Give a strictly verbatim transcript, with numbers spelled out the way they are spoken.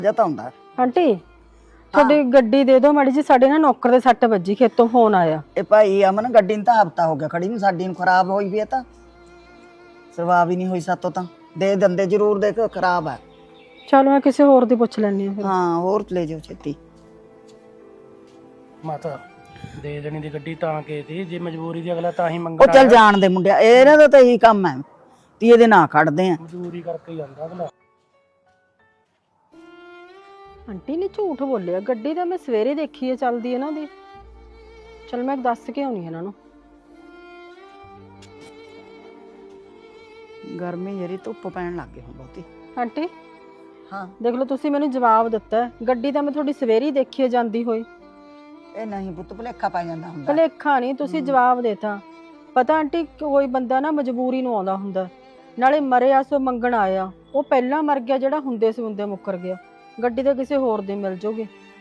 ਜਤਾ ਹੁੰਦਾ ਆਂਟੀ ਤੁਹਾਡੀ ਗੱਡੀ ਦੇ ਦਿਓ ਮਾੜੀ ਜੀ, ਸਾਡੇ ਨਾ ਨੌਕਰ ਦੇ ਸੱਟ ਵੱਜੀ, ਖੇਤੋਂ ਫੋਨ ਆਇਆ। ਇਹ ਭਾਈ ਅਮਨ ਗੱਡੀ ਨੂੰ ਤਾਂ ਹਫਤਾ ਹੋ ਗਿਆ ਖੜੀ ਨੂੰ, ਸਾਡੀ ਨੂੰ ਖਰਾਬ ਹੋਈ ਵੀ ਹੈ ਤਾਂ ਸਰਵਾ ਵੀ ਨਹੀਂ ਹੋਈ ਸਾਤੋਂ, ਤਾਂ ਦੇ ਦਿੰਦੇ ਜ਼ਰੂਰ, ਦੇਖ ਖਰਾਬ ਹੈ। ਚਲੋ ਮੈਂ ਕਿਸੇ ਹੋਰ ਦੀ ਪੁੱਛ ਲੈਣੀ ਆ ਫਿਰ। ਹਾਂ ਹੋਰ ਲੈ ਜਾਓ ਛੇਤੀ। ਮਾਤਾ ਦੇ ਦੇਣੀ ਦੀ ਗੱਡੀ ਤਾਂ ਕੇ ਦੀ, ਜੇ ਮਜਬੂਰੀ ਦੀ ਅਗਲਾ ਤਾਂ ਹੀ ਉਹ ਮੰਗਦਾ। ਚੱਲ ਜਾਣ ਦੇ ਮੁੰਡਿਆ, ਇਹਨਾਂ ਦਾ ਤਾਂ ਇਹੀ ਕੰਮ ਹੈ, ਤੀਏ ਦੇ ਨਾਂ ਖੜਦੇ ਆ। ਮਜਬੂਰੀ ਕਰਕੇ ਜਾਂਦਾ ਅਗਲਾ। ਆਂਟੀ ਨੇ ਝੂਠ ਬੋਲਿਆ, ਗੱਡੀ ਤਾਂ ਮੈਂ ਸਵੇਰੇ ਦੇਖੀ ਹੈ ਚੱਲਦੀ ਇਹਨਾਂ ਦੀ। ਚਲ ਮੈਂ ਦੱਸ ਕੇ ਆਉਣੀ ਇਹਨਾਂ ਨੂੰ। ਗਰਮੀ ਜਿਹੜੀ ਧੁੱਪ ਪੈਣ ਲੱਗ ਗਈ ਹੁਣ ਬਹੁਤੀ। ਆਂਟੀ ਹਾਂ ਦੇਖ ਲਓ, ਤੁਸੀਂ ਮੈਨੂੰ ਜਵਾਬ ਦਿੱਤਾ, ਗੱਡੀ ਤਾਂ ਮੈਂ ਤੁਹਾਡੀ ਸਵੇਰੇ ਹੀ ਦੇਖੀ ਹੈ ਜਾਂਦੀ ਹੋਈ। ਇਹ ਨਹੀਂ ਪੁੱਤ, ਭੁਲੇਖਾ ਪੈ ਜਾਂਦਾ ਹੁੰਦਾ। ਭੁਲੇਖਾ ਨਹੀਂ, ਤੁਸੀਂ ਜਵਾਬ ਦੇਤਾ। ਪਤਾ ਆਂਟੀ ਕੋਈ ਬੰਦਾ ਨਾ ਮਜਬੂਰੀ ਨੂੰ ਆਉਂਦਾ ਹੁੰਦਾ, ਨਾਲੇ ਮਰਿਆ ਸੋ ਮੰਗਣ ਆਇਆ, ਉਹ ਪਹਿਲਾਂ ਮਰ ਗਿਆ ਜਿਹੜਾ ਹੁੰਦੇ ਸੀ ਹੁੰਦੇ ਮੁੱਕਰ ਗਿਆ। ਗੱਡੀ ਤਾਂ ਕਿਸੇ ਹੋਰ ਦੀ ਮਿਲ ਜੂਗੀ।